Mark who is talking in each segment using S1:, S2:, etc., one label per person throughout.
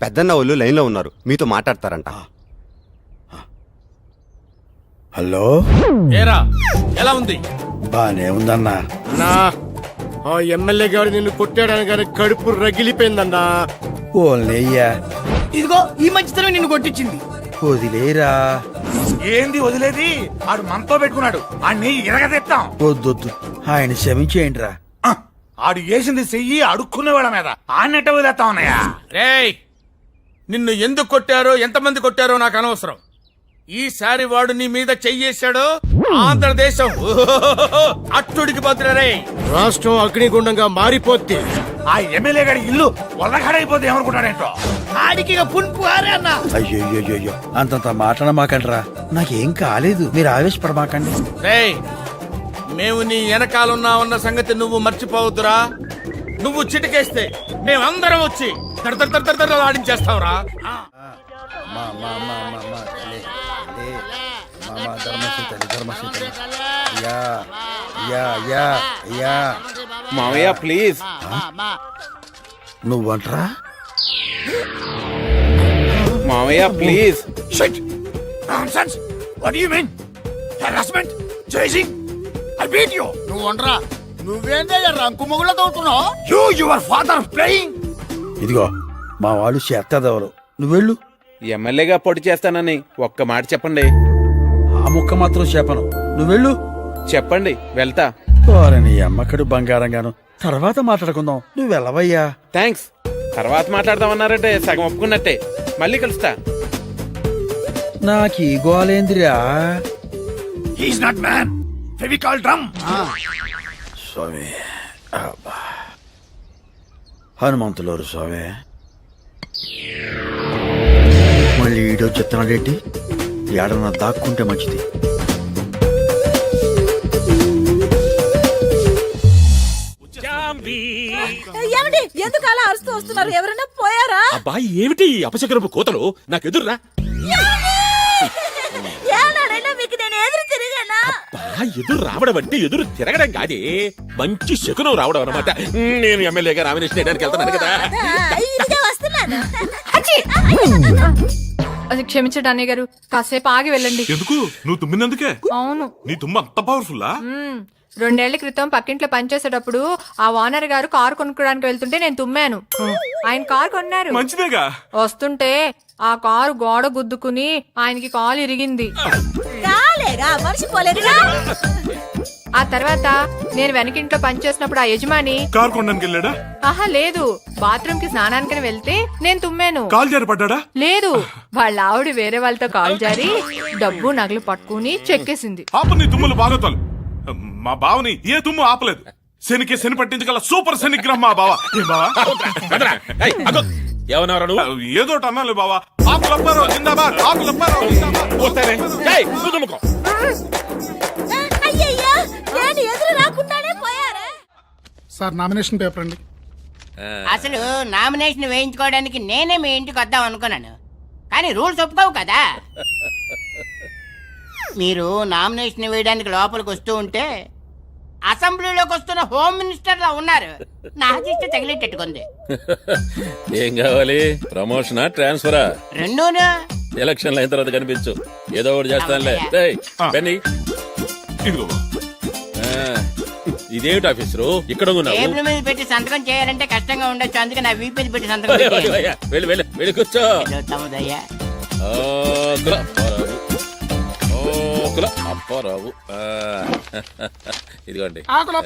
S1: పెద్దన్న వాళ్ళు లైన్లో ఉన్నారు, మీతో మాట్లాడతారంట.
S2: హలో,
S3: ఏరా ఎలా ఉంది?
S2: బానే ఉందన్నా.
S4: అన్నా ఆ ఎమ్మెల్యే గారు నిన్ను కొట్టాడని కానీ కడుపు రగిలిపోయిందన్నా.
S2: ఓన్లయ్యా,
S5: ఇదిగో ఈ మంచితనం నిన్ను కొట్టించింది.
S2: వదిలేరా.
S6: ఏంది వదిలేది? ఆడు మనతో పెట్టుకున్నాడు, ఆడిని ఎరగదెత్తాం.
S2: వద్దొద్దు, ఆయన క్షమించేయండి రా.
S6: ఆడు వేసింది చెయ్యి అడుక్కునే వాళ్ళ మీద ఆన్నట్ట వదిలేస్తా ఉన్నాయా?
S3: రేయ్, నిన్ను ఎందుకు కొట్టారో ఎంతమంది కొట్టారో నాకు అనవసరం. ఈసారి వాడు నీ మీద చెయ్యేశాడో ఆంధ్రదేశం అట్టుడికి భద్రరే.
S4: రాష్ట్రం అగ్నిగుండంగా మారిపోద్ది.
S6: ఆ ఎమ్మెల్యే గారి ఇల్లు వల్లగాడైపోతే ఏమనుకుంటాడేంటో.
S5: ఆడికి పుంపు ఆరే అన్న.
S2: అయ్యో, అంతంత మాట్లాడమాకండ్రా. నాకేం కాలేదు, మీరు ఆవేశపడమాకండి.
S3: రేయ్, మేము నీ వెనకాలన్నా సంగతి నువ్వు మర్చిపోవద్దురా. నువ్వు చిటికేస్తే మేమందరం వచ్చి ఆడించేస్తావురా.
S7: మామయ్య ప్లీజ్.
S2: నువ్వంట్రా?
S7: మామయ్య please.
S6: Shit! Nonsense! What do you mean? Harassment? Chasing? I beat you!
S5: నువ్వు వండరా. నువ్వేందే రంకు మొగుళ్ళ తోడుతున్నావు?
S6: Your father playing?
S2: ఇదిగో మా వాళ్ళు చేత్తదెవరు, నువ్వెళ్ళు.
S7: ఎమ్మెల్యేగా పోటీ చేస్తానని ఒక్క మాట చెప్పండి.
S2: ఆ ముక్క మాత్రం చెప్పను, నువ్వెళ్ళు.
S7: చెప్పండి, వెళ్తా.
S2: నీ అమ్మకడు బంగారంగాను, తర్వాత మాట్లాడుకుందాం, నువ్వు వెళ్ళవయ్యా.
S7: థ్యాంక్స్. తర్వాత మాట్లాడదామన్నారంటే సగం ఒప్పుకున్నట్టే. మళ్ళీ కలుస్తా.
S2: నాకీ గోలేందిరా.
S6: He's not man. Fevicol drum.
S2: స్వామి, అబ్బా. హనుమంతులోరు స్వామి. మళ్ళీ ఈడో చెత్తనాడేంటి? ఏడన్నా దాక్కుంటే మంచిది.
S8: ఏమిటి ఎందుకు అలా అరుస్తూ వస్తున్నారు? ఎవరైనా పోయారా?
S3: అబ్బాయి ఏమిటి అపశకరపు కోతలు? నాకు ఎదురురా.
S8: ఏనాడైనా మీకు నేను ఎదురు తిరిగానా?
S3: ఎదురు రావడం అంటే ఎదురు తిరగడం కాదే, మంచి శకునం రావడం అన్నమాట. నేను ఎమ్మెల్యేగా నామినేషన్ వేయడానికి వెళ్తున్నాను కదా.
S8: ఇదిగే వస్తున్నాను.
S9: అది క్షమించండి అన్నయ్య గారు, కాసేపు ఆగి వెళ్ళండి.
S10: ఎందుకు? నువ్వు తుమ్మినందుకే?
S9: అవును.
S10: నీ తుమ్మ అంత పవర్ఫుల్లా?
S9: 2 ఏళ్ల క్రితం పక్కింట్లో పనిచేసేటప్పుడు ఆ ఓనర్ గారు కారు కొనుక్కోడానికి వెళ్తుంటే నేను తుమ్మాను. ఆయన కారు కొన్నారు.
S10: మంచిదేగా.
S9: వస్తుంటే ఆ కారు గోడ గుద్దుకుని ఆయనకి కాలు ఇరిగింది.
S8: కాలేగా మర్చిపోలేదుగా.
S9: ఆ తర్వాత నేను వెనకింట్లో పనిచేసినప్పుడు ఆ యజమాని
S10: కారు కొనడానికి వెళ్ళాడా?
S9: ఆహా లేదు, బాత్రూమ్ కి స్నానానికి వెళ్తే నేను తుమ్మాను.
S10: కాలు జారి పడ్డా?
S9: లేదు, వాళ్ళ ఆవిడ వేరే వాళ్ళతో కాలు జారి డబ్బు నగలు పట్టుకుని చెక్కేసింది.
S10: ఆప నీ తుమ్ములు బాగోతాలు. మా బావని ఏ తుమ్ము ఆపలేదు. శనికి శని పట్టించగల సూపర్ శనిగ్రహం మా బావ. ఏ బావా? ఏదో అన్నాలే బావా. ఆకులప్పారో జిందాబాద్, ఆకులప్పారో జిందాబాద్.
S8: అయ్యయ్యో, నేను ఎదురు రాకుండానే పోయారా?
S5: సార్ నామినేషన్ పేపర్ అండి.
S11: అసలు నామినేషన్ వేయించుకోవడానికి నేనే మీ ఇంటికి వద్దాం అనుకున్నాను, కానీ రూల్స్ ఒప్పుకోవు కదా. మీరు నామినేషన్ వేయడానికి లోపలికి వస్తూ ఉంటే అసెంబ్లీలోకి వస్తున్న హోమ్ మినిస్టర్ లా ఉన్నారు. నా దిష్టి తగిలేటట్టుకుంది.
S12: ఏం కావాలి? ప్రమోషనా, ట్రాన్స్ఫరా?
S11: రెండూనా?
S12: ఎలక్షన్లు అయిన తర్వాత కనిపించు, ఏదో ఒకటి చేస్తానులే. పెన్ని
S10: ఇదిగో.
S12: ఇదేమిటి ఆఫీసరు ఇక్కడ ఉన్నావు?
S11: టేబుల్ మీద పెట్టి సంతకం చేయాలంటే కష్టంగా ఉండొచ్చు, అందుకే నా వీపు మీద పెట్టి సంతకం పెట్టాను.
S12: వెళ్ళి వెళ్ళి వెళ్ళి కూర్చో.
S11: తమ్ముదయ్యా.
S12: అప్పారావు, ఇదిగోండి.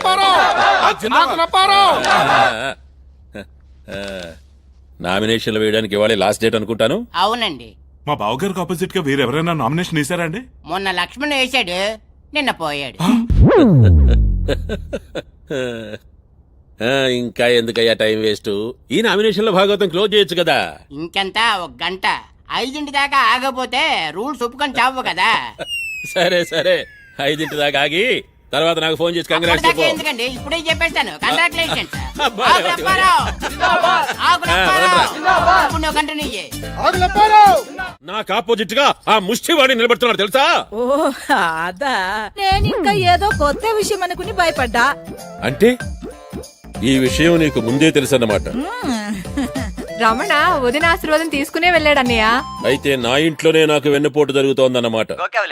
S12: నామినేషన్లు వేయడానికి ఇవాళ లాస్ట్ డేట్ అనుకుంటాను.
S11: అవునండి.
S10: మా బావగారికి ఆపోజిట్ గా వేరెవరైనా నామినేషన్ వేసారా అండి?
S11: మొన్న లక్ష్మణ్ వేసాడు, నిన్న పోయాడు.
S12: ఇంకా ఎందుకయ్యా టైం వేస్ట్? ఈ నామినేషన్ లో భాగవతం క్లోజ్ చేయొచ్చు కదా.
S11: ఇంకెంత, 1 గంట. 5 దాకా ఆగపోతే రూల్స్ ఒప్పుకొని చావు కదా.
S12: సరే సరే, 5 దాకా ఆగి తర్వాత నాకు ఫోన్ చేసి కంగ్రాట్స్ చెప్పు.
S11: ఎందుకండి ఇప్పుడే చెప్పేస్తాను. కంగ్రాచులేషన్స్.
S12: నాకు ఆపోజిట్ గా ఆ ముష్టివాడి నిలబడుతున్నాడు తెలుసా?
S8: ఓ అదా, నేను ఇంకా ఏదో కొత్త విషయం అనుకుని భయపడ్డా.
S12: అంటే ఈ విషయం నీకు ముందే తెలుసన్నమాట.
S9: రమణ వదిన ఆశీర్వాదం తీసుకునే వెళ్ళాడన్నయ్య.
S12: అయితే నా ఇంట్లోనే నాకు వెన్నుపోటు జరుగుతోందన్నమాట.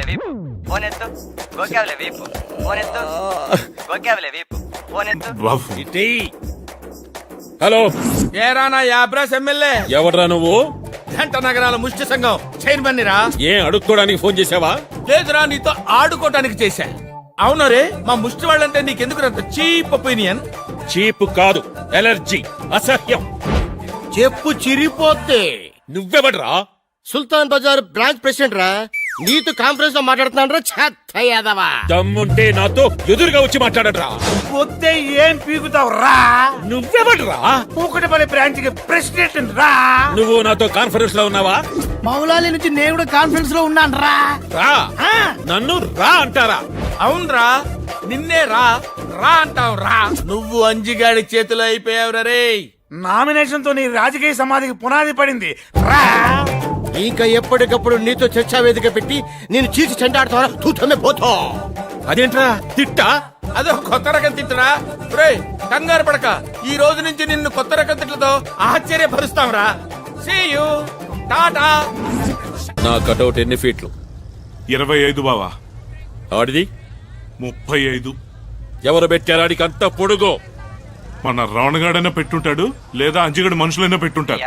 S10: బాబు
S12: హలో,
S3: ఏరా నా యాబ్రాస్ ఎమ్మెల్యే,
S12: ఎవడ్రా నువ్వు?
S3: జంట నగరాల ముష్టి సంఘం చైర్మన్ రా.
S12: ఏం అడుక్కోడానికి ఫోన్ చేసావా?
S3: లేదురా, నీతో ఆడుకోవటానికి చేశా. అవును రే, మా ముష్టి వాళ్ళంటే నీకెందుకు అంత చీప్ ఒపీనియన్?
S12: చీప్ కాదు, ఎలర్జీ, అసహ్యం.
S4: చెప్పు చిరిపోతే.
S12: నువ్వెవడ్రా?
S4: సుల్తాన్ బజార్ బ్రాంచ్ ప్రెసిడెంట్ రా. నీతో కాన్ఫరెన్స్ లో మాట్లాడుతున్నాను రా. చెత్త యాదవా.
S12: దమ్ముంటే నాతో ఎదురుగా వచ్చి మాట్లాడరా.
S6: వస్తే ఏం పీకుతావు రా?
S12: నువ్వెవడ్రా?
S6: కూకటపల్లి బ్రాంచ్ కి ప్రెసిడెంట్ రా.
S12: నువ్వు నాతో కాన్ఫరెన్స్ లో ఉన్నావా?
S5: మౌలాలి నుంచి నేను కూడా కాన్ఫరెన్స్ లో ఉన్నాను రా.
S12: రా. నన్ను రా అంటారా?
S3: అవునరా, నిన్నే రా రా అంటావు రా. నువ్వు అంజిగాడి చేతిలో అయిపోయావు రే.
S6: నామినేషన్ తో నీ రాజకీయ సమాధికి పునాది పడింది రా.
S4: ఇంకా ఎప్పటికప్పుడు నీతో చర్చా వేదిక పెట్టి నేను చీచి చెండాడుతావా? తూతమే పోతా.
S12: అదేంట్రా తిట్టా?
S3: అదో కొత్త రకం తిట్టురా. రేయ్, కంగారు పడక, ఈ రోజు నుంచి నిన్ను కొత్త రకం తిట్లతో ఆశ్చర్యపరుస్తాం రా. See you, tata.
S12: నా కటౌట్ ఎన్ని ఫీట్లు?
S10: 25 బావా.
S12: ఆడిది
S10: 35.
S12: ఎవరు పెట్టారాడికి అంత పొడుగు?
S10: మన రావణగాడైనా పెట్టుంటాడు, లేదా అంజిగడు మనుషులైనా పెట్టుంటారు.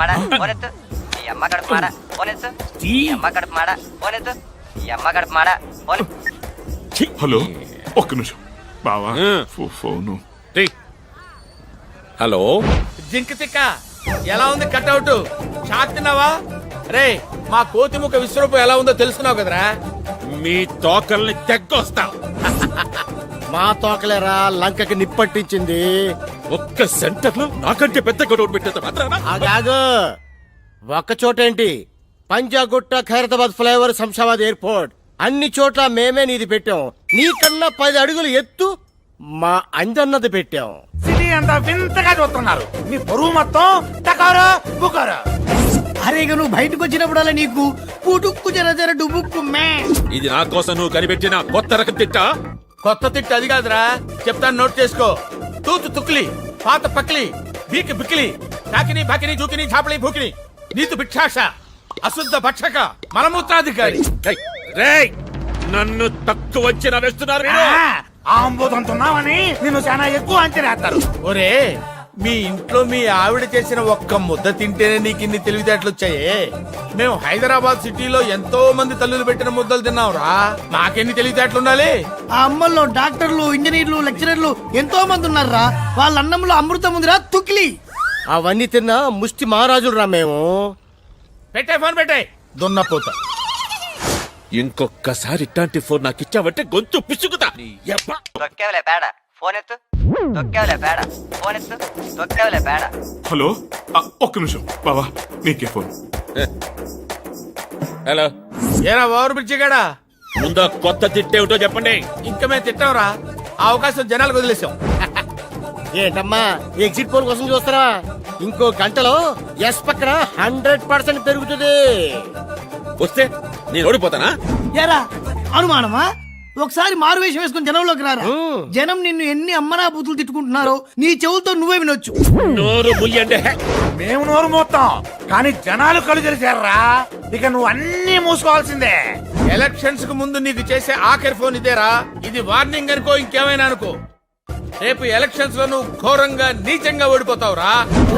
S10: హలో, ఒక్క నిమిషం బావా. ఫోను.
S12: హలో,
S3: జింక తిక్క, ఎలా ఉంది కట్అవుట్? షాక్ తిన్నావా? రే, మా కోతిముఖ విశ్వరూపం ఎలా ఉందో తెలుసుకున్నావు కదరా.
S12: మీ తోకల్ని తెగ్గొస్తాం.
S4: మా తోకలేరా లంకకి నిప్పట్టించింది.
S12: ఒక్క సెంటర్ లో నాకంటే పెద్ద కటౌట్ పెట్టేంత మాత్రాన
S4: ఆగాగు. ఒక్క చోటేంటి, పంజాగుట్ట, ఖైరతాబాద్ ఫ్లైఓవర్, శంషాబాద్ ఎయిర్పోర్ట్, అన్ని చోట్ల మేమే నీది పెట్టాం. నీకన్నా 10 అడుగులు ఎత్తు మా అంజన్నది పెట్టాం.
S6: సిటీ అంతా వింతగా చూస్తున్నారు. నీ బరువు మొత్తం టకారా బుకారా.
S5: అరే ఇక నువ్వు బయటకు వచ్చినప్పుడల్లా నీకు పుటుక్కు జర జర డుబుక్కు మే.
S12: ఇది నా కోసం నువ్వు కనిపెట్టిన కొత్త రకం తిట్టా?
S3: కొత్త తిట్టు అది కాదురా, చెప్తాను, నోట్ చేసుకో. తూతు తుక్లి, పాత పక్లి, బీకి బిక్లి, తాకిని బాకిని జూకిని ఛాపలి భూకిని, నీతు భిక్షాష, అశుద్ధ భక్షక, మలమూత్రాధికారి.
S12: రేయ్, నన్ను తక్కువ వచ్చిన వేస్తున్నారు మీరు.
S6: ఆంబోదంతున్నావని నిన్ను చాలా ఎక్కువ అంచనేస్తారు.
S3: ఒరే, మీ ఇంట్లో మీ ఆవిడ చేసిన ఒక్క ముద్ద తింటేనే నీకు ఇన్ని తెలివితేటలు వచ్చాయే. మేము హైదరాబాద్ సిటీలో ఎంతో మంది తల్లులు పెట్టిన ముద్దలు తిన్నాంరా. మాకెన్ని తెలివితేటలు ఉండాలి?
S5: ఆ అమ్మల్లో డాక్టర్లు, ఇంజనీర్లు, లెక్చరర్లు ఎంతో మంది ఉన్నారా. వాళ్ళ అన్నంలో అమృతం ఉందిరా తుక్లి.
S4: అవన్నీ తిన్నా ముష్టి మహారాజులు రా మేము.
S3: పెట్టే ఫోన్ పెట్టే, దున్నపోతా.
S12: ఇంకొక్కసారి ఇట్లాంటి ఫోన్ నాకు ఇచ్చావంటే గొంతు పిసుకుతా.
S10: హలో, ఒక్క నిమిషం బావా, నీకే ఫోన్.
S12: హలో,
S3: ఏరా ఓవర్ బ్రిడ్జి గాడా,
S12: ముందా కొత్త తిట్టేమిటో చెప్పండి.
S3: ఇంకా మేము తిట్టాంరా. ఆ అవకాశం జనాలకు వదిలేసాం.
S4: ఏంటమ్మా ఎగ్జిట్ పోల్ కోసం చూస్తారా? ఇంకో గంటలో ఎస్ పక్కన 100% పెరుగుతుంది.
S12: వస్తే నేను ఓడిపోతానా?
S5: ఎరా అనుమానమా? ఒకసారి మారువేషం వేసుకుని జనంలోకి రారా. జనం నిన్ను ఎన్ని అమ్మనా బూతులు తిట్టుకుంటున్నారో నీ చెవులతో నువ్వే వినొచ్చు.
S12: నోరు ముయ్యండి.
S6: మేము నోరు మోస్తాం, కానీ జనాలు కళ్ళు తెరిచారా. ఇక నువ్వు అన్ని మూసుకోవాల్సిందే.
S3: ఎలక్షన్స్ కు ముందు నీకు చేసే ఆఖరి ఫోన్ ఇదేరా. ఇది వార్నింగ్ అనుకో, ఇంకేమైనా అనుకో. రేపు ఎలక్షన్స్ లో నువ్వు ఘోరంగా నీచంగా ఓడిపోతావురా.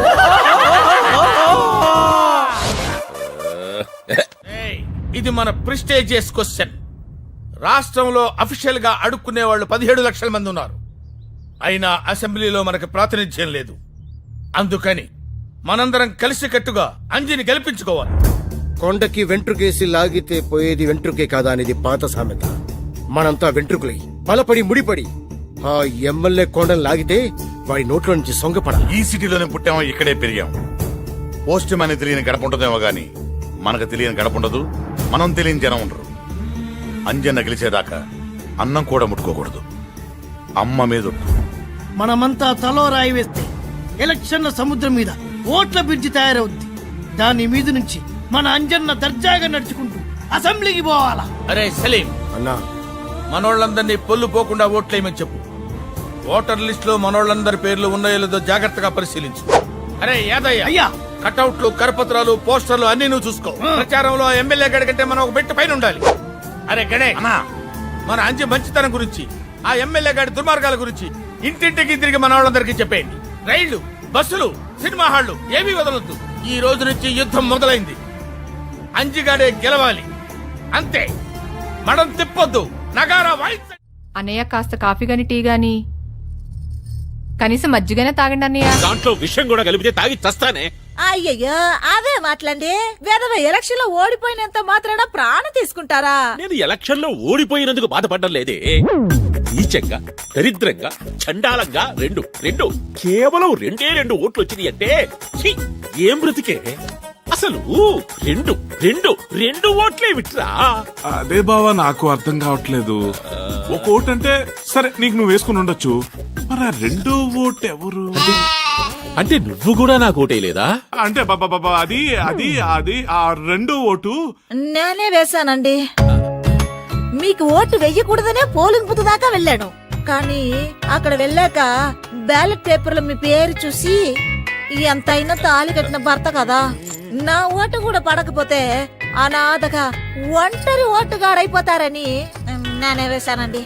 S3: ఏయ్, ఇది మన ప్రిస్టేజియస్ క్వశ్చన్. రాష్ట్రంలో అఫీషియల్ గా అడుక్కునే వాళ్ళు 17 లక్షల మంది ఉన్నారు. అయినా అసెంబ్లీలో మనకు ప్రాతినిధ్యం లేదు. అందుకని మనందరం కలిసికట్టుగా అంజిని గెలిపించుకోవాలి.
S4: కొండకి వెంట్రుకేసి లాగితే పోయేది వెంట్రుకే కాదా అనేది పాత సామెత. మనంతా వెంట్రుకులై బలపడి ముడిపడి ఆ ఎమ్మెల్యే కొండను లాగితే వాడి నోట్లో నుంచి సొంగపడాలి.
S6: ఈ సిటీలోనే పుట్టామో ఇక్కడే పెరిగాం. పోస్ట్ మ్యాన్ తెలియని గడప ఉంటుందేమో గాని మనకు తెలియని గడప ఉండదు, మనం తెలియని జనం ఉండరు. అంజన్న గెలిచేదాకా అన్నం కూడా ముట్టుకోకూడదు. అమ్మ మీద
S5: మనమంతా తలో రాయి వేస్తే ఎలక్షన్ల సముద్రం మీద ఓట్ల బ్రిడ్జి తయారవుద్ది. దాని మీద నుంచి మన అంజన్న దర్జాగా నడుచుకుంటూ అసెంబ్లీకి పోవాలా.
S3: అరే సలీం
S4: అన్నా,
S3: మనోళ్ళందరినీ పొల్లు పోకుండా ఓట్లేయమని చెప్పు. ఓటర్ లిస్ట్ లో మనోళ్ళందరి పేర్లు ఉన్నాయో లేదో జాగ్రత్తగా పరిశీలించు. అరే యాదయ్య,
S5: అయ్యా
S3: కటౌట్లు కరపత్రాలు పోస్టర్లు అన్ని నువ్వు చూసుకో. ప్రచారంలో ఎమ్మెల్యే గడి కంటే మనం ఒక బెట్టు పైన ఉండాలి. అరే గణేష్, మన అంజి మంచితనం గురించి, ఆ ఎమ్మెల్యే గారి దుర్మార్గాల గురించి ఇంటింటికి తిరిగి మన వాళ్ళందరికీ చెప్పేయండి. రైళ్లు, బస్సులు, సినిమా హాళ్లు ఏమీ వదలొద్దు. ఈ రోజు నుంచి యుద్ధం మొదలైంది. అంజిగాడే గెలవాలి, అంతే. మనం తిప్పొద్దు, నగారా వాయిద్ద.
S9: అన్నయ్య కాస్త కాఫీ గాని టీ గాని కనీసం మజ్జిగనే తాగండి అన్నయ్య.
S12: దాంట్లో విషయం కూడా కలిపితే తాగి చస్తానే.
S8: అయ్యయ్యో అదే మాట్లాడి వేదవ ఎలక్షన్ లో ఓడిపోయినంత మాత్రాన ప్రాణం తీసుకుంటారా?
S12: నేను ఎలక్షన్ లో ఓడిపోయినందుకు బాధపడడం లేదే. నీచంగా, దరిద్రంగా, చండాలంగా రెండు కేవలం రెండు ఓట్లు వచ్చినాయి అంటే ఛీ, ఏం బ్రతికే అసలు. రెండు ఓట్లే విట్రా.
S10: అదే బావా నాకు అర్థం కావట్లేదు. ఒక ఓటు అంటే సరే నీకు నువ్వు వేసుకుని ఉండొచ్చు, మరి ఆ రెండో ఓటు ఎవరు?
S12: అంటే నువ్వు కూడా నాకు ఓటేయలేదా?
S10: అంటే బాబా అది అది అది ఆ రెండో ఓటు
S8: నేనే వేశానండి. మీకు ఓటు వెయ్యకూడదనే పోలింగ్ బూత్ దాకా వెళ్ళాను. కానీ అక్కడ వెళ్ళాక బ్యాలెట్ పేపర్లో మీ పేరు చూసి ఎంతైనా తాళి కట్టిన భర్త కదా, నా ఓటు కూడా పడకపోతే అనాథగా ఒంటరి ఓటుగాడైపోతారని నేనే వేశానండి.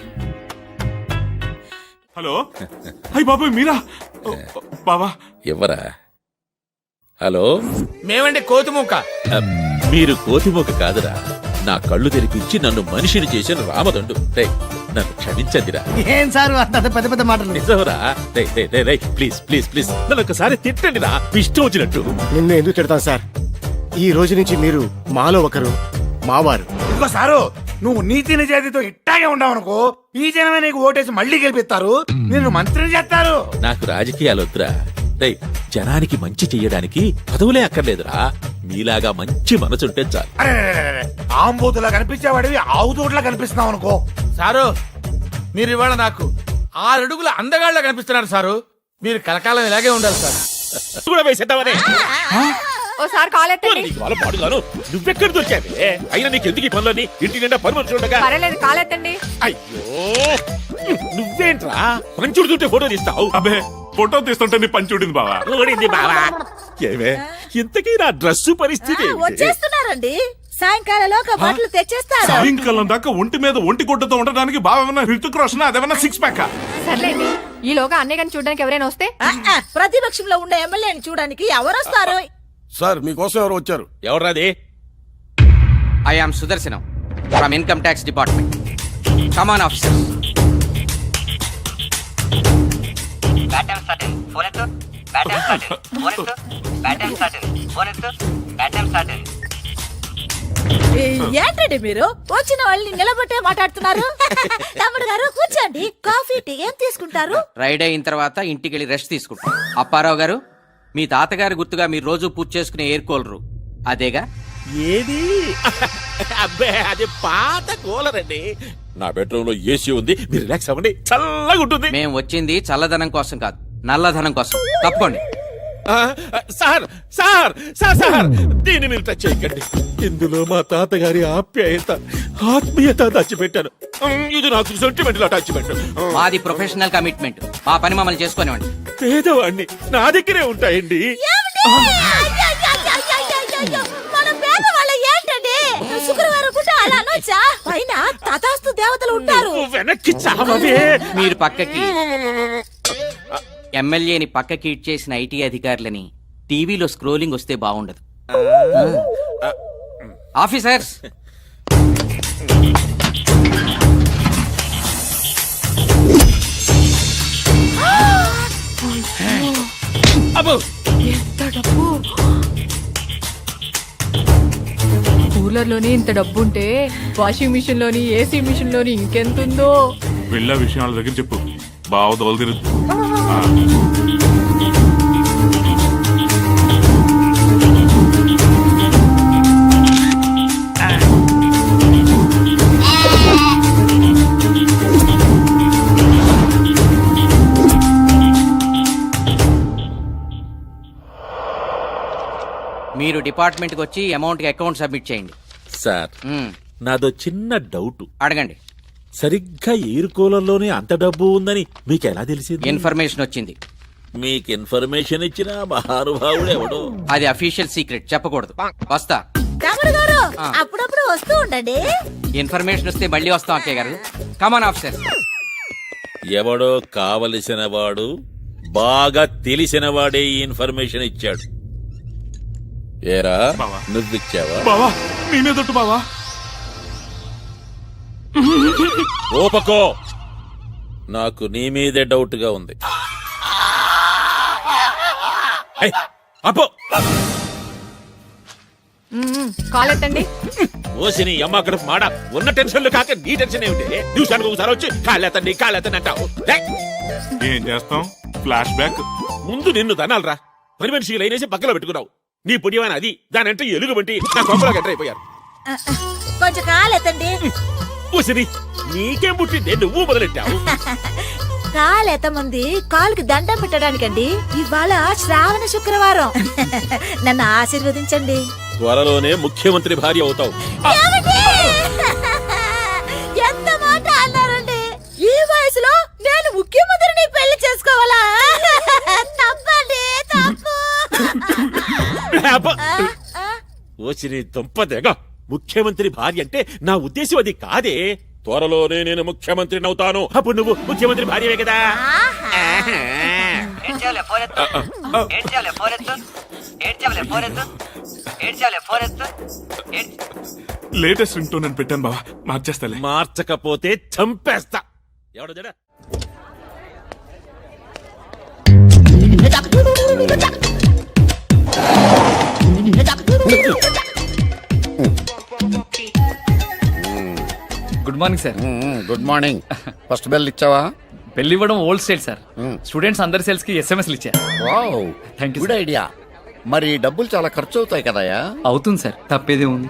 S10: హలో, అయ్యి బాబాయ్ మీరా? బాబా
S12: ఎవరా? హలో,
S3: మేమండి కోతిమూక.
S12: మీరు కోతిమోక కాదురా, నా కళ్ళు తెరిపించి నన్ను మనిషిని చేసిన రామదండు. రేయ్, నన్ను క్షమించండిరా.
S5: ఏం సార్ అంత పెద్ద పెద్ద మాటలు?
S12: నిజంరా. ప్లీజ్ ప్లీజ్ ప్లీజ్ నన్ను ఒకసారి తిట్టండి రా, ఇష్టం వచ్చినట్టు.
S4: నిన్ను ఎందుకు తిడతాను సార్? ఈ రోజు నుంచి మీరు మాలో ఒకరు, మావారు.
S2: ఇంకో సారు, నువ్వు నీతి నిజాయితీతో ఇట్టాగే ఉండవనుకో, ఈ జనమే నీకు ఓటేసి మళ్ళీ గెలిపిస్తారు, నిన్ను మంత్రిని చేస్తారు.
S12: నాకు రాజకీయాలు వద్దురా. రేయ్, జనానికి మంచి చెయ్యడానికి పదవులే అక్కర్లేదురా, మీలాగా మంచి మనసుంటే చాలు.
S2: అరే ఆంబూతులా కనిపించేవాడివి ఆవుతోట్లా కనిపిస్తున్నావు అనుకో.
S3: సారు, మీరు ఇవాళ నాకు 6 అడుగుల అందగాళ్ళ కనిపిస్తున్నారు సారు. మీరు కలకాలం ఇలాగే ఉండాలి సార్.
S12: కూడా వేసేద్దామనే.
S9: ఓసారి కాల్ ఎత్తండి.
S12: నీకు వాళ్ళ పాడుగాను నువ్వెక్కడ దొరికావే? అయినా నీకు ఎందుకు ఈ పనులని? ఇంటి నిండా పని మనుషులు ఉండగా.
S9: పర్వాలేదు, కాల్ ఎత్తండి.
S12: అయ్యో, నువ్వేంట్రా పంచుడు చుట్టే ఫోటో తీస్తావు?
S10: అబే ఫోటో తీస్తుంటే నీ పని చూడింది బావా.
S12: ఊడింది బావా. ఏమే ఇంతకీ నా డ్రెస్సు పరిస్థితి ఏంటి?
S8: వచ్చేస్తున్నారండి, సాయంకాలంలోగా బట్టలు తెచ్చేస్తారు.
S10: సాయంకాలం దాకా ఒంటి మీద ఒంటి గుడ్డతో ఉండడానికి బావ ఏమన్నా హృతిక్ రోషన్, అదేమన్నా సిక్స్ ప్యాక్?
S9: సర్లేండి, ఈలోగా అన్నయ్య గారిని చూడడానికి ఎవరైనా వస్తే.
S8: ప్రతిపక్షంలో ఉండే ఎమ్మెల్యేని చూడడానికి ఎవరొస్తారు?
S4: సార్ మీకోసం ఎవరు వచ్చారు?
S12: ఎవర్రాది?
S11: I am Sudarshanam from income tax department. Come on officer.
S8: ఏంటండి మీరు వచ్చిన వాళ్ళని నిలబట్టే మాట్లాడుతున్నారు? తమ్ముడు గారు కూర్చోండి, కాఫీ టీ ఏం తీసుకుంటారు?
S11: రైడ్ అయిన తర్వాత ఇంటికి వెళ్ళి రెస్ట్ తీసుకుంటాం. అప్పారావు గారు, మీ తాతగారి గుర్తుగా మీరు రోజు పూజ చేసుకునే ఎయిర్ కూలరు అదేగా?
S12: ఏది? అబ్బే, అది పాత కూలర్ అండి. నా బెడ్రూమ్ లో ఏసీ ఉంది, మీరు రిలాక్స్ అవ్వండి, చల్లగా ఉంటుంది.
S11: మేము వచ్చింది చల్లదనం కోసం కాదు, నల్లధనం కోసం. తప్పకోండి.
S12: సార్ సార్ సార్ సార్ దీన్ని మీరు టచ్ చేయకండి. ఇందులో మా తాతగారి ఆప్యాయత, ఆత్మీయత దాచిపెట్టాను. ఇది నాకు సెంటిమెంట్ లో టచ్ పెట్టాను.
S11: మాది ప్రొఫెషనల్ కమిట్మెంట్, మా పని మమ్మల్ని చేసుకోనివ్వండి.
S12: పేదవాడిని, నా దగ్గరే ఉంటాయండి.
S8: మన పేదవాళ్ళ ఏంటండి? శుక్రవారం పూట అలా అనొచ్చా? పైన తథాస్తు దేవతలు ఉంటారు.
S12: వెనక్కి చావవే.
S11: మీరు పక్కకి ఎమ్మెల్యేని పక్కకి ఇచ్చేసిన ఐటీ అధికారులని టీవీలో స్క్రోలింగ్ వస్తే బాగుండదు. ఆఫీసర్స్,
S9: ఎంత డబ్బు! కూలర్ లోని ఇంత డబ్బు ఉంటే వాషింగ్ మిషన్ లోని, ఏసీ మిషన్ లోని ఇంకెంతుందో.
S10: వెళ్ళ విషయాల దగ్గర చెప్పు, బావ దోలు తిరుగు.
S11: మీరు డిపార్ట్మెంట్కి వచ్చి అమౌంట్కి అకౌంట్ సబ్మిట్ చేయండి.
S12: సార్, నాదో చిన్న డౌట్.
S11: అడగండి.
S12: సరిగ్గా ఎయిర్ కూలర్లోనే అంత డబ్బు ఉందని మీకు ఎలా తెలిసింది?
S11: ఇన్ఫర్మేషన్ వచ్చింది.
S12: మీకు ఇన్ఫర్మేషన్ ఇచ్చిన మహానుభావుడు ఎవడో.
S7: అది అఫీషియల్ సీక్రెట్, చెప్పకూడదు. వస్తా.
S8: తమ్ముడు గారు అప్పుడప్పుడు వస్తూ ఉండండి.
S7: ఇన్ఫర్మేషన్ వస్తే మళ్ళీ వస్తాం అక్కయ్య గారు. Come on officer.
S12: ఎవడో కావలసిన వాడు, బాగా తెలిసిన వాడే ఈ ఇన్ఫర్మేషన్ ఇచ్చాడు. ఏరా
S10: బావా.
S12: నువ్విచ్చావా?
S10: బావా నీ మీదొట్టు బావా.
S12: ఓపకో, నాకు నీ మీదే డౌట్ గా ఉంది. ఏయ్, అప్పో.
S9: కాల్ ఎత్తండి.
S12: ఓసిని అమ్మ అక్కడ మాడ ఉన్న టెన్షన్లు కాక నీ టెన్షన్ ఏమిటి? నిమిషానికి ఒకసారి వచ్చి కాళ్ళెత్తండి అంటావు.
S10: ఏం చేస్తాం, ఫ్లాష్ బ్యాక్.
S12: ముందు నిన్ను తనాలరా. పని మనిషి లైనేసి పక్కలో పెట్టుకున్నావు. నీ పుణ్యమైన అది దానంటే ఎలుగు బట్టి నా కొంపలో ఎంటర్ అయిపోయారు.
S8: కొంచెం కాలెత్తండి.
S12: ఓసిని నీకేం పుట్టిందే నువ్వు మొదలెట్టావు.
S8: కాలెత్తముంది కాలుకి దండం పెట్టడానికండి. ఇవాళ శ్రావణ శుక్రవారం. నన్ను ఆశీర్వదించండి.
S12: త్వరలోనే ముఖ్యమంత్రి భార్య అవుతావు.
S8: ఏమండి? ఎంత మాట అన్నారండి? ఈ వయసులో నేను ముఖ్యమంత్రిని పెళ్లి చేసుకోవాలా? తప్పండి, తప్పు.
S12: ఓసిని దుంపదేగా, ముఖ్యమంత్రి భార్య అంటే నా ఉద్దేశం అది కాదే. త్వరలోనే నేను ముఖ్యమంత్రిని అవుతాను. అప్పుడు నువ్వు ముఖ్యమంత్రి భార్యవే కదా.
S10: లేటెస్ట్ రింగ్ టోన్ అని పెట్టాను బావా, మార్చేస్తాలే.
S12: మార్చకపోతే చంపేస్తా. ఎవడో జడ.
S13: Good morning sir.
S2: Good morning. First bell ఇచ్చావా?
S13: పెళ్లి ఇవ్వడం ఓల్డ్ స్టైల్ సార్. స్టూడెంట్స్ అందరి సేల్స్ కి ఎస్ఎంఎస్లు ఇచ్చారు.
S2: Wow,
S13: thank you.
S2: Good idea. మరి డబ్బులు చాలా ఖర్చు అవుతాయి కదయా?
S13: అవుతుంది సార్, తప్పేదే ఉంది.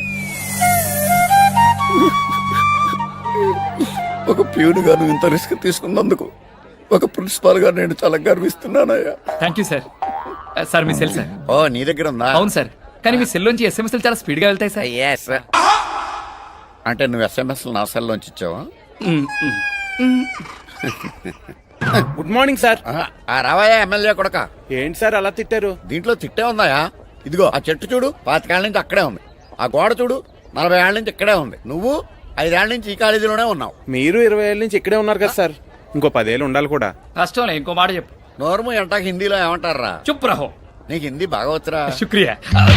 S2: ఒక ప్యూన్ గా నువ్వు ఇంత రిస్క్ తీసుకున్నందుకు ఒక ప్రిన్సిపాల్ గా నేను చాలా గర్విస్తున్నానయ్యా.
S13: Thank you sir. సార్ మీ సెల్ సార్.
S2: ఓ, నీ దగ్గర ఉందా?
S13: అవును సార్, కానీ మీ సెల్ నుంచి ఎస్ఎంఎస్లు చాలా స్పీడ్ గా వెళ్తాయి సార్.
S2: Yes. అంటే నువ్వు ఎస్ఎంఎస్ నా సెల్ లోంచి ఇచ్చావా?
S7: Good morning sir.
S2: రావాయా ఎమ్మెల్యే కొడక.
S7: ఏంటి సార్ అలా తిట్టారు?
S2: దీంట్లో తిట్టే ఉందాయా? ఇదిగో ఆ చెట్టు చూడు, 25 ఏళ్ల నుంచి అక్కడే ఉంది. ఆ గోడ చూడు, 40 ఏళ్ల నుంచి ఇక్కడే ఉంది. నువ్వు 5 ఏళ్ల నుంచి ఈ కాలేజీలోనే ఉన్నావు.
S7: మీరు 20 ఏళ్ళ నుంచి ఇక్కడే ఉన్నారు కదా సార్. ఇంకో 10 ఏళ్ళు ఉండాలి కూడా.
S13: కష్టంలే, ఇంకో మాట చెప్పు.
S2: నోర్ము ఎంటాక హిందీలో ఏమంటారా?
S13: చుప్ రహో.
S2: నీకు హిందీ బాగా వచ్చరా?
S13: శుక్రియా.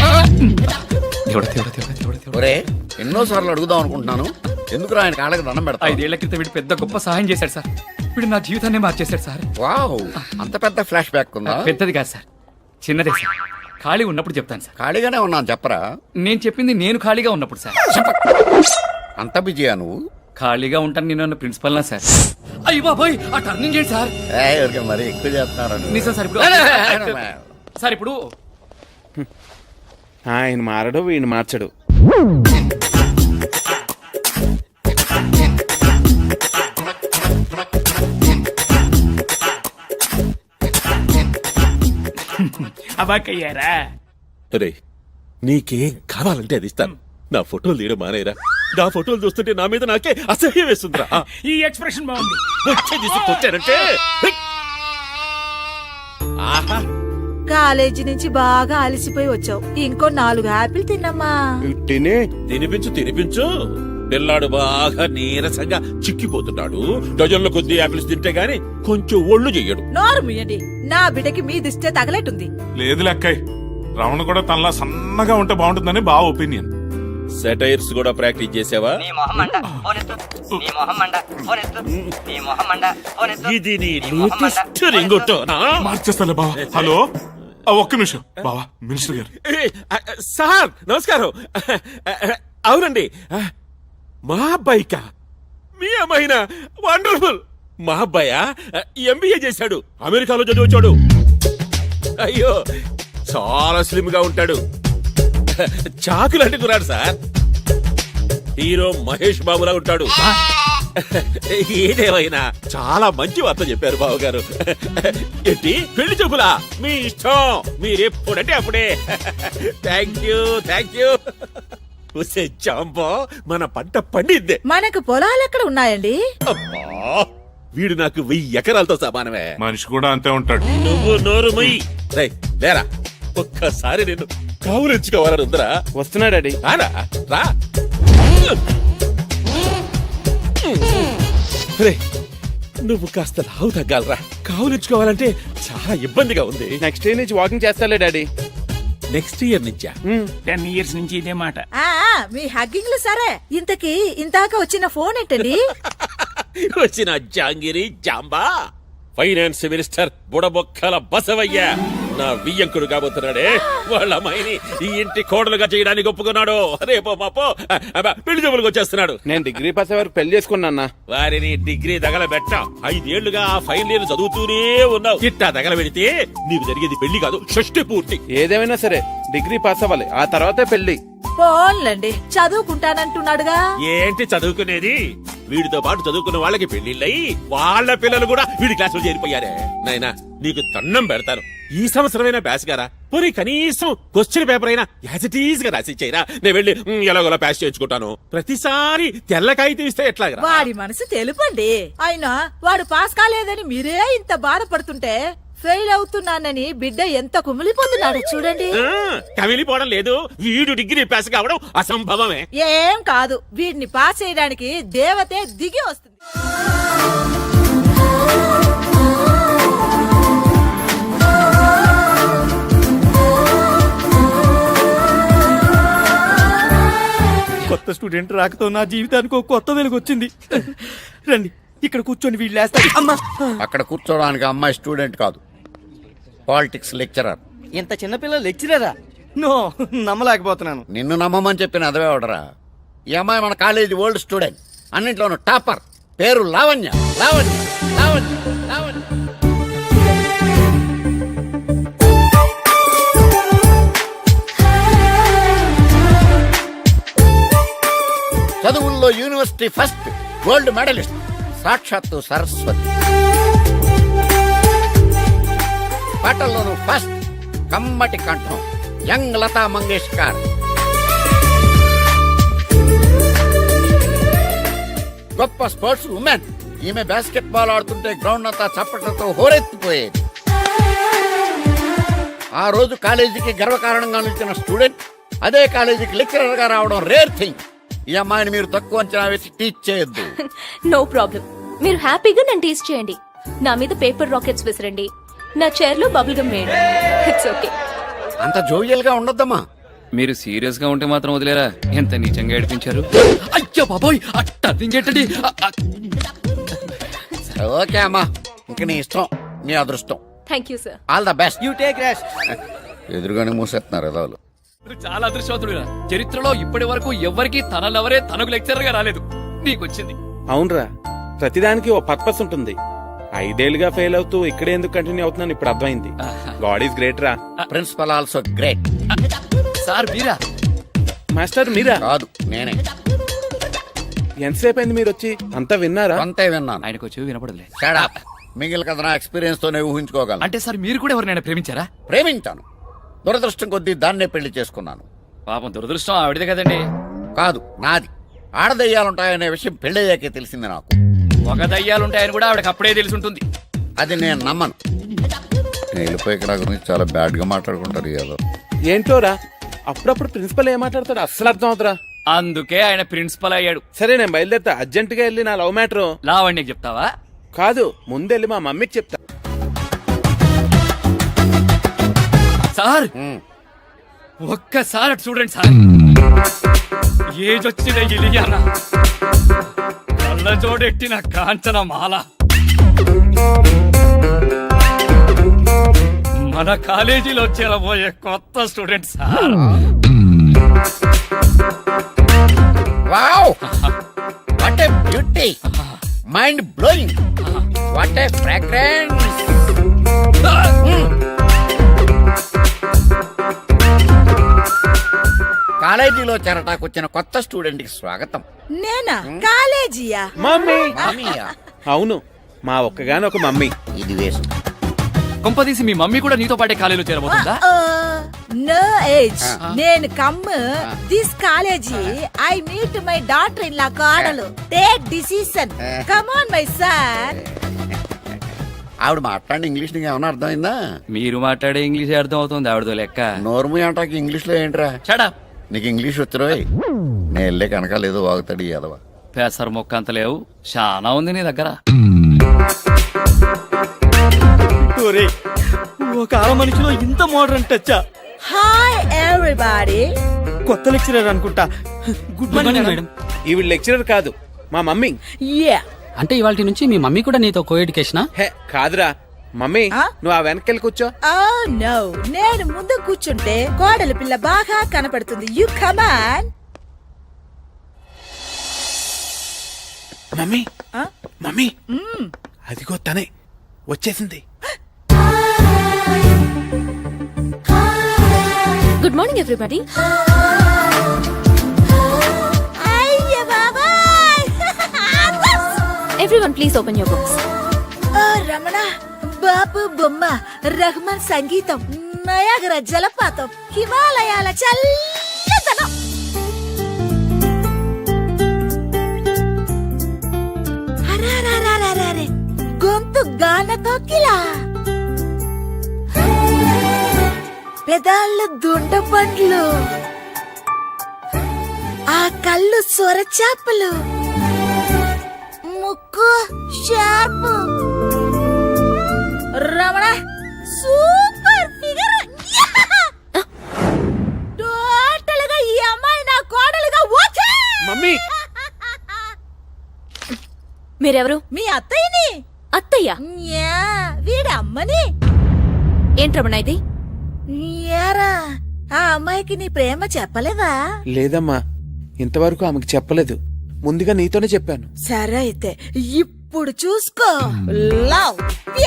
S2: ఒరే, ఎన్నోసార్లు అడుగుదాం అనుకుంటున్నాను, ఎందుకు ఆయన కాళ్ళకి దండం పెడతా?
S13: 5 ఏళ్ల క్రితం వీడు పెద్ద గొప్ప సహాయం చేశాడు సార్. వీడు నా జీవితాన్ని మార్చేశాడు సార్.
S2: వావ్, అంత పెద్ద ఫ్లాష్ బ్యాక్ ఉందా?
S13: పెద్దది కాదు సార్, చిన్నదే సార్. ఖాళీ ఉన్నప్పుడు చెప్తాను సార్.
S2: ఖాళీగానే ఉన్నాను చెప్పరా?
S13: నేను చెప్పింది నేను ఖాళీగా ఉన్నప్పుడు సార్.
S2: అంత బిజీయా నువ్వు?
S13: ఖాళీగా ఉంటాను నేను ప్రిన్సిపల్ నా సార్. అయ్యో బాబోయ్, ఆ టర్నింగ్ చేయండి సార్.
S2: ఎవరికి మరి ఎక్కువ చేస్తున్నారు
S13: నిజం సార్. ఇప్పుడు సార్ ఇప్పుడు
S7: ఆయన మారడు, వీడిని మార్చడు.
S13: అబాకయ్యారా?
S12: అరే, నీకేం కావాలంటే అది ఇస్తాను. నా ఫోటోలు తీయడం మానేరా. నా ఫోటోలు చూస్తుంటే నా మీద నాకే అసహ్యం వేస్తుందిరా.
S13: ఈ ఎక్స్ప్రెషన్ బాగుంది.
S12: వచ్చే తీసుకొచ్చానంటే ఆహా,
S8: కాలేజీ నుంచి బాగా అలసిపోయి వచ్చావు. ఇంకో 4 యాపిల్ తిన్నమ్మా.
S12: తినిపించు. పిల్లాడు బాగా నీరసంగా చిక్కిపోతున్నాడు. డజన్ల కొద్ది యాపిల్స్ తింటే గాని కొంచెం ఒళ్ళు చెయ్యడు.
S8: నోరు ముయ్యండి, నా బిడ్డకి మీ దిష్టే తగలెట్టుంది.
S10: లేదు లెక్కయ్, రమణ కూడా తనలా సన్నగా ఉంటే బాగుంటుందని బావ ఒపీనియన్.
S12: సెటైర్స్ కూడా ప్రాక్టీస్ చేసావా? ఇది నీ లేటెస్ట్ రింగొట్టోనా?
S10: మార్చేస్తాలే బావ. హలో, ఒక్క నిమిషం బావా. మినిస్టర్ గారు.
S12: సార్ నమస్కారం. అవునండి, మా అబ్బాయికా? మీ అమ్మాయినా? వండర్ఫుల్. మా అబ్బాయా ఎంబీఏ చేశాడు, అమెరికాలో చదివచ్చాడు. అయ్యో, చాలా స్లిమ్ గా ఉంటాడు. చాకులాంటి కురాడు సార్. హీరో మహేష్ బాబులా ఉంటాడు. ఏదేమైనా చాలా మంచి వార్త చెప్పారు బావగారు. ఏంటి పెళ్లి చూపులా? మీ ఇష్టం, మీరెప్పుడంటే అప్పుడే. Thank you. జాంబో, మన పంట పండిద్దే.
S8: మనకు పొలాలు ఎక్కడ ఉన్నాయండి?
S12: అబ్బా, వీడు నాకు 1000 ఎకరాలతో సమానమే.
S10: మనిషి కూడా అంతే ఉంటాడు.
S12: నువ్వు నోరు మొయ్యి. రేయ్, లేరా, ఒక్కసారి నేను కావులించుకోవాలని ఉందరా.
S7: వస్తున్నాడు డాడీ.
S12: రారా, రా. రేయ్, నువ్వు కాస్త లావు తగ్గాలరా. కావులించుకోవాలంటే చాలా ఇబ్బందిగా ఉంది.
S7: నెక్స్ట్ ఇయర్ నుంచి వాకింగ్ చేస్తాలే డాడీ.
S12: నెక్స్ట్ ఇయర్ నుంచా?
S13: 10 years నుంచి ఇదే మాట.
S8: మీ హగ్గింగ్లు సరే, ఇంతకీ ఇంతాక వచ్చిన ఫోన్ ఏంటండి?
S12: వచ్చిన జాంగిరి జాంబా ఫైనాన్స్ మినిస్టర్ బుడబొక్కల బసవయ్య నా వియ్యంకుడు కాబోతున్నాడే. వాళ్ళ అమ్మాయిని ఈ ఇంటి కోడలుగా చేయడానికి ఒప్పుకున్నాడు. రేపో మాపో పెళ్లి జబ్బులకు వచ్చేస్తున్నాడు.
S7: నేను డిగ్రీ పాస్ అయ్యే వరకు పెళ్లి చేసుకున్నా.
S12: వారిని డిగ్రీ తగలబెట్ట 5 ఏళ్లుగా ఆ ఫైనల్ ఇయర్ చదువుతూనే ఉన్నావు. ఇట్టా తగలబెడితే నీకు జరిగేది పెళ్లి కాదు, షష్టి పూర్తి.
S7: ఏదేమైనా సరే డిగ్రీ పాస్ అవ్వాలి, ఆ తర్వాతే పెళ్లి.
S8: ఫోన్లండి, చదువుకుంటానంటున్నాడుగా.
S12: ఏంటి చదువుకునేది? వీడితో పాటు చదువుకున్న వాళ్ళకి పెళ్లిళ్ళయి వాళ్ళ పిల్లలు కూడా వీడి క్లాసులో చేరిపోయారే. నాయనా, నీకు దండం పెడతాను, ఈ సంవత్సరమైనా పాస్ గారా. పోనీ కనీసం క్వశ్చన్ పేపర్ అయినా యాజ్ ఇట్ ఈజ్ గా రాసిచ్చేయరా. నేను వెళ్ళి ఎలాగోలా పాస్ చేయించుకుంటాను. ప్రతిసారి తెల్లకాయితే ఇస్తే ఎట్లాగరా?
S8: వాడి మనసు తెలుపండి. అయినా వాడు పాస్ కాలేదని మీరే ఇంత బాధపడుతుంటే ఫెయిల్ అవుతున్నానని బిడ్డ ఎంత కుమిలిపోతున్నాడు చూడండి.
S12: కమిలిపోవడం లేదు, వీడు డిగ్రీ పాస్ కావడం అసంభవమే.
S8: ఏం కాదు, వీడిని పాస్ చేయడానికి దేవతే దిగి వస్తుంది.
S4: కొత్త స్టూడెంట్ రాకతో నా జీవితానికి ఒక కొత్త వెలుగు వచ్చింది. రండి, ఇక్కడ కూర్చొని వీళ్ళు లేస్తారు. అమ్మా,
S2: అక్కడ కూర్చోడానికి అమ్మాయి స్టూడెంట్ కాదు, పాలిటిక్స్ లెక్చరర్.
S4: ఇంత చిన్నపిల్ల లెక్చరరా? నో, నమ్మలేకపోతున్నాను.
S2: నిన్ను నమ్మమని చెప్పిన అదవే అవడరా. ఈ అమ్మాయి మన కాలేజీ ఓల్డ్ స్టూడెంట్, అన్నింట్లోనూ టాపర్. పేరు లావణ్య. లావణ్య లావణ్య లావణ్య. చదువుల్లో యూనివర్సిటీ ఫస్ట్, గోల్డ్ మెడలిస్ట్, సాక్షాత్తు సరస్వతి. పాటల్లోనూ ఫస్ట్, కమ్మటి కంఠం, యంగ్ లతా మంగేష్కర్. గొప్ప స్పోర్ట్స్ ఉమెన్. ఈమె బాస్కెట్ బాల్ ఆడుతుంటే గ్రౌండ్ అంతా చప్పట్లతో హోరెత్తిపోయేది. ఆ రోజు కాలేజీకి గర్వకారణంగా నిలిచిన స్టూడెంట్ అదే కాలేజీకి లెక్చరర్ గా రావడం రేర్ థింగ్. ఈ అమ్మాయిని మీరు తక్కువ అంచనా వేసి టీచ్ చేయొద్దు.
S14: నో ప్రాబ్లం, మీరు హ్యాపీగా నన్ను టీచ్ చేయండి. నా మీద పేపర్ రాకెట్స్ విసిరండి, నా చైర్ లో బబుల్ గమ్ వేయండి. It's okay.
S2: అంత జోవియల్ గా ఉండొద్దమ్మా.
S13: మీరు సీరియస్ గా ఉంటే మాత్రం వదిలేరా? ఎంత నీచంగా ఏడిపించారు. అయ్యో బాబోయ్, టర్నింగ్ ఏంటండి?
S2: ఓకే అమ్మా, ఇంక నీ ఇష్టం, నీ అదృష్టం.
S14: Thank you sir.
S2: All the best.
S4: You take rest.
S2: ఎదురుగానే మూసేస్తున్నారు ఎదవలు.
S13: చాలా అదృష్టవంతుడు. చరిత్రలో ఇప్పటి వరకు ఎవ్వరికి తనలెవరే తనకు లెక్చరర్ గా రాలేదు, నీకొచ్చింది.
S7: అవునరా, ప్రతిదానికి ఓ పర్పస్ ఉంటుంది. 5 ఏళ్లుగా ఫెయిల్ అవుతూ ఇక్కడే ఎందుకు కంటిన్యూ అవుతున్నాను ఇప్పుడు అర్థమైంది. గాడ్ ఈస్ గ్రేట్ రా.
S2: Principal also great.
S13: సార్ మీరా?
S7: మాస్టర్ మీరా?
S2: కాదు, నేనే.
S7: ఎంతసేపు అయింది మీరు వచ్చి? అంతా విన్నారా?
S2: అంతే విన్నాను.
S13: ఆయనకు వచ్చి వినపడలే.
S2: Shut up. మిగిలిన కథ నా ఎక్స్పీరియన్స్ తోనే ఊహించుకోగలను.
S13: అంటే సార్ మీరు కూడా ఎవరినైనా ప్రేమించారా?
S2: ప్రేమించాను, దురదృష్టం కొద్దీ దాన్నే పెళ్లి చేసుకున్నాను.
S13: పాపం దురదృష్టం ఆవిడదే కదండి.
S2: కాదు, నాది. ఆడదయ్యాలుంటాయనే విషయం పెళ్ళయ్యాకే తెలిసింది నాకు.
S13: ఒక దయ్యాలుంటాయని కూడా ఆవిడకి అప్పుడే తెలిసి ఉంటుంది.
S2: అది నేను నమ్మను. నేను వెళ్ళిపోయి ఇక్కడ గురించి చాలా బ్యాడ్ గా మాట్లాడుకుంటారు ఏదో.
S7: ఏంటోరా, అప్పుడప్పుడు ప్రిన్సిపల్ ఏం మాట్లాడతాడు అస్సలు అర్థం అవుతురా.
S13: అందుకే ఆయన ప్రిన్సిపల్ అయ్యాడు.
S7: సరే, నేను బయలుదేరుతా. అర్జెంట్ గా వెళ్ళి నా లవ్ మ్యాటర్
S13: లావణ్యకి చెప్తావా?
S7: కాదు, ముందెళ్ళి మా మమ్మీకి చెప్తా.
S13: సార్ ఒక్కసారి అటు చూడండి సార్. ఏజ్ వచ్చిన ఇలియానా, కళ్ళ జోడెట్టిన కాంచన మాల, మన కాలేజీలో చేరబోయే కొత్త student sir.
S2: Wow, what a beauty, mind blowing, what a fragrance. కాలేజీలో చేరటాకు వచ్చిన కొత్త స్టూడెంట్ కి స్వాగతం.
S8: నేనా? కాలేజీయా?
S7: మమ్మీ.
S2: మామయ్య.
S7: అవును, మా ఒక్కగాని ఒక మమ్మీ.
S2: ఇది వేసు.
S13: కొంపదీసి మీ మమ్మీ కూడా నీతో పాటే కాలేజీలో చేరబోతుందా?
S8: No age. నేను come this college. I meet my daughter in law కాడలు. Take decision. Come on my son.
S2: ఆవిడ మాట్లాడిన ఇంగ్లీష్ నీకు ఏమైనా అర్థమైందా?
S13: మీరు మాట్లాడే ఇంగ్లీష్ అర్థం అవుతుంది ఆవిడతో లెక్క.
S2: నోర్ము అంటాకి ఇంగ్లీష్ లో ఏంట్రా?
S13: చడా
S2: నీకు ఇంగ్లీష్ వచ్చిరోయ్. నేను వెళ్ళే కనుక లేదో వాగుతాడు ఈ అదవా.
S13: పెసర మొక్క అంత లేవు, చాలా ఉంది నీ దగ్గర.
S4: ఒక ఆడ మనిషిలో ఇంత మోడర్న్ టచ్చా?
S8: Hi everybody.
S4: కొత్త లెక్చరర్ అనుకుంటా. Good morning madam.
S7: ఈవిడ లెక్చరర్ కాదు, మా మమ్మీ.
S8: యా.
S13: అంటే ఇవాళ నుంచి మీ మమ్మీ కూడా నీతో కో ఎడ్యుకేషనా?
S7: హే కాదురా మమ్మీ, నువ్వు ఆ వెనకెళ్ళి కూర్చో.
S8: Oh no, నేను ముందు కూర్చుంటే కోడలి పిల్ల బాగా కనపడుతుంది. You come on.
S7: మమ్మీ మమ్మీ, అదిగో తనే వచ్చేసింది.
S14: Good morning everybody.
S8: అయ్య బాబాయ్.
S14: Everyone please open your books.
S8: ఓ రమణ, బాపు బొమ్మ, రహమాన్ సంగీతం, నయాగర జలపాతం, హిమాలయాల చల్లదనం. అరెరెరెరెరెరె, గొంతు గానతో కిలా, పెదాళ్ళు దుండ పండ్లు, ఆ కళ్ళు సొరచాపలు, ముక్కు sharp. Ramana super figure. Total గా ఈ అమ్మాయి నా కోడలుగా ఓకే.
S7: మమ్మీ
S14: మీరెవరు?
S8: మీ అత్తయ్యని.
S14: అత్తయ్య?
S8: యా, వీడి అమ్మని.
S14: ఏంటి రమణ ఇది?
S8: యారా, ఆ అమ్మాయికి నీ ప్రేమ చెప్పలేదా?
S7: లేదమ్మా, ఇంతవరకు ఆమెకు చెప్పలేదు. ముందుగా నీతోనే చెప్పాను.
S8: సరే అయితే ఇప్పుడు చూసుకో. లవ్